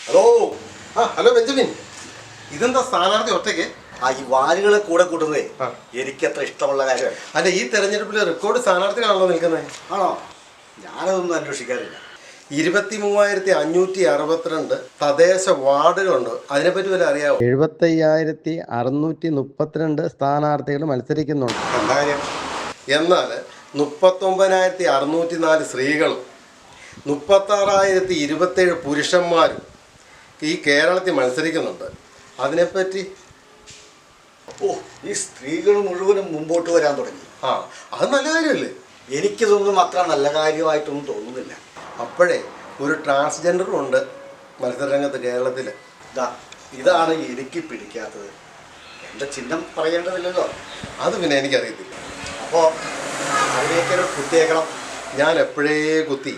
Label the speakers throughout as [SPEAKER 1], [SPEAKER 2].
[SPEAKER 1] Hello. Hello Benjamin, ഇതെന്താ സ്ഥാനാർത്ഥി ഒറ്റയ്ക്ക്?
[SPEAKER 2] ഈ വാലുകളെ കൂടെ കൂട്ടുന്നതേ എനിക്കത്ര ഇഷ്ടമുള്ള കാര്യമാണ്.
[SPEAKER 1] അല്ല, ഈ തെരഞ്ഞെടുപ്പിൽ റെക്കോർഡ് സ്ഥാനാർത്ഥികളാണല്ലോ നിൽക്കുന്നത്.
[SPEAKER 2] ആണോ? ഞാനതൊന്നും അന്വേഷിക്കാറില്ല.
[SPEAKER 1] 23,562 തദ്ദേശ വാർഡുകളുണ്ട്. അതിനെപ്പറ്റി വല്ല അറിയാമോ?
[SPEAKER 3] 75,632 സ്ഥാനാർത്ഥികൾ മത്സരിക്കുന്നുണ്ട്.
[SPEAKER 2] എന്താ കാര്യം?
[SPEAKER 1] എന്നാൽ 39,604 സ്ത്രീകളും 36,027 പുരുഷന്മാരും ഈ കേരളത്തിൽ മത്സരിക്കുന്നുണ്ട്. അതിനെപ്പറ്റി
[SPEAKER 2] ഈ സ്ത്രീകൾ മുഴുവനും മുമ്പോട്ട് വരാൻ തുടങ്ങി.
[SPEAKER 1] അത് നല്ല കാര്യമല്ലേ?
[SPEAKER 2] എനിക്കിതൊന്നും അത്ര നല്ല കാര്യമായിട്ടൊന്നും തോന്നുന്നില്ല.
[SPEAKER 1] അപ്പോഴേ ഒരു ട്രാൻസ്ജെൻഡറും ഉണ്ട് മത്സരരംഗത്ത് കേരളത്തിൽ.
[SPEAKER 2] ഇതാണ് എനിക്ക് പിടിക്കാത്തത്. എൻ്റെ ചിഹ്നം പറയേണ്ടതില്ലല്ലോ.
[SPEAKER 1] അത് പിന്നെ എനിക്കറിയത്തില്ല.
[SPEAKER 2] അപ്പോൾ അതിലേക്ക് കുത്തിയേക്കണം.
[SPEAKER 1] ഞാൻ എപ്പോഴേ കുത്തി.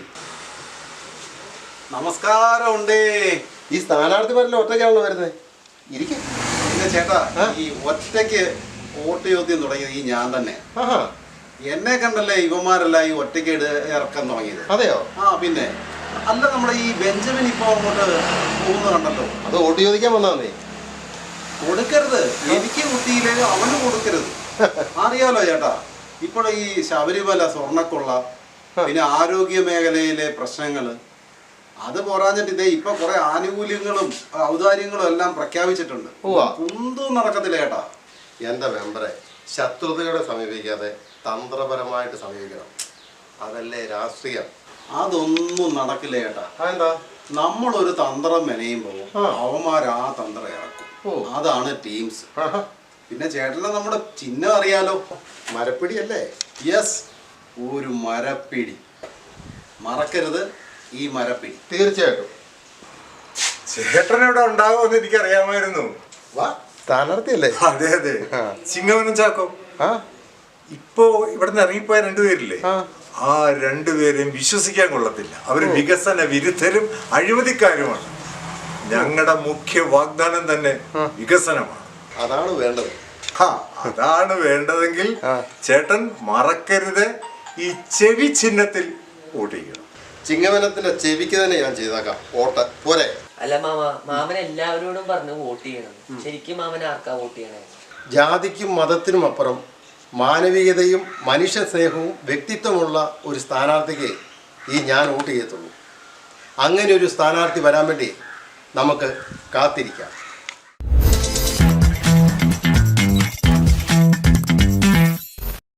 [SPEAKER 2] നമസ്കാരമുണ്ടേ.
[SPEAKER 1] ഈ സ്ഥാനാർത്ഥിമാരെല്ലാം ഒറ്റയ്ക്കാണല്ലോ വരുന്നത്. ഇരിക്കും.
[SPEAKER 4] പിന്നെ ചേട്ടാ, ഈ ഒറ്റയ്ക്ക് വോട്ട് ചോദ്യം തുടങ്ങിയത് ഈ ഞാൻ തന്നെ. എന്നെ കണ്ടല്ലേ ഇവന്മാരെല്ലാം ഈ ഒറ്റയ്ക്ക് ഇറക്കാൻ തുടങ്ങിയത്.
[SPEAKER 1] അതെയോ?
[SPEAKER 4] പിന്നെ അല്ല, നമ്മുടെ ഈ ബെഞ്ചമിൻ ഇപ്പൊ അങ്ങോട്ട് പോകുന്ന കണ്ടല്ലോ.
[SPEAKER 1] അത് വോട്ട് ചോദിക്കാൻ വന്നാന്നേ.
[SPEAKER 4] കൊടുക്കരുത്, എനിക്ക് കുത്തിയില്ലേ അവന് കൊടുക്കരുത്. അറിയാലോ ചേട്ടാ, ഇപ്പോൾ ഈ ശബരിമല സ്വർണ്ണക്കൊള്ള, പിന്നെ ആരോഗ്യ മേഖലയിലെ പ്രശ്നങ്ങള്, അത് പോരാഞ്ഞിട്ട് ഇതേ ഇപ്പൊ കുറെ ആനുകൂല്യങ്ങളും ഔദാര്യങ്ങളും എല്ലാം പ്രഖ്യാപിച്ചിട്ടുണ്ട്. ഒന്നും നടക്കത്തില്ല ചേട്ടാ.
[SPEAKER 1] എന്റെ മെമ്പറെ, ശത്രുതയോടെ സമീപിക്കാതെ തന്ത്രപരമായിട്ട് സമീപിക്കണം. അതല്ലേ രാഷ്ട്രീയം.
[SPEAKER 4] അതൊന്നും നടക്കില്ല ചേട്ടാ.
[SPEAKER 1] അതെന്താ?
[SPEAKER 4] നമ്മളൊരു തന്ത്രം മെനയുമ്പോൾ അവന്മാർ ആ തന്ത്രം ഇറക്കും. അതാണ് ടീംസ്. പിന്നെ ചേട്ടനെ നമ്മുടെ ചിഹ്നം അറിയാലോ,
[SPEAKER 1] മരപ്പിടി അല്ലേ?
[SPEAKER 4] യെസ്, ഒരു മരപ്പിടി. മറക്കരുത് ഈ മരപ്പിടി.
[SPEAKER 1] തീർച്ചയായിട്ടും.
[SPEAKER 5] ചേട്ടനിവിടെ ഉണ്ടാവുമെന്ന് എനിക്കറിയാമായിരുന്നു.
[SPEAKER 1] സ്ഥാനാർത്ഥിയല്ലേ?
[SPEAKER 5] അതെ അതെ, ചിങ്ങവനം ചാക്കോ. ഇപ്പോ ഇവിടുന്ന് ഇറങ്ങിപ്പോയ രണ്ടുപേരില്ലേ, ആ രണ്ടുപേരെയും വിശ്വസിക്കാൻ കൊള്ളത്തില്ല. അവര് വികസന വിരുദ്ധരും അഴിമതിക്കാരുമാണ്. ഞങ്ങളുടെ മുഖ്യ വാഗ്ദാനം തന്നെ വികസനമാണ്.
[SPEAKER 1] അതാണ് വേണ്ടത്.
[SPEAKER 5] അതാണ് വേണ്ടതെങ്കിൽ ചേട്ടൻ മറക്കരുത്, ഈ ചെവി ചിഹ്നത്തിൽ വോട്ട് ചെയ്യണം.
[SPEAKER 1] ചിങ്ങവനത്തിന്റെ ചെവിക്ക് തന്നെ ഞാൻ ചെയ്താക്കാം വോട്ട്. പോരെ?
[SPEAKER 6] അല്ല മാമൻ എല്ലാവരോടും പറഞ്ഞു വോട്ട് ചെയ്യണം. ശരിക്കും മാമൻ ആർക്കാ വോട്ട് ചെയ്യണേ?
[SPEAKER 1] ജാതിക്കും മതത്തിനും അപ്പുറം മാനവികതയും മനുഷ്യ സ്നേഹവും വ്യക്തിത്വമുള്ള ഒരു സ്ഥാനാർത്ഥിക്ക് ഈ ഞാൻ വോട്ട് ചെയ്യത്തുള്ളൂ. അങ്ങനെ ഒരു സ്ഥാനാർത്ഥി വരാൻ വേണ്ടി നമുക്ക് കാത്തിരിക്കാം.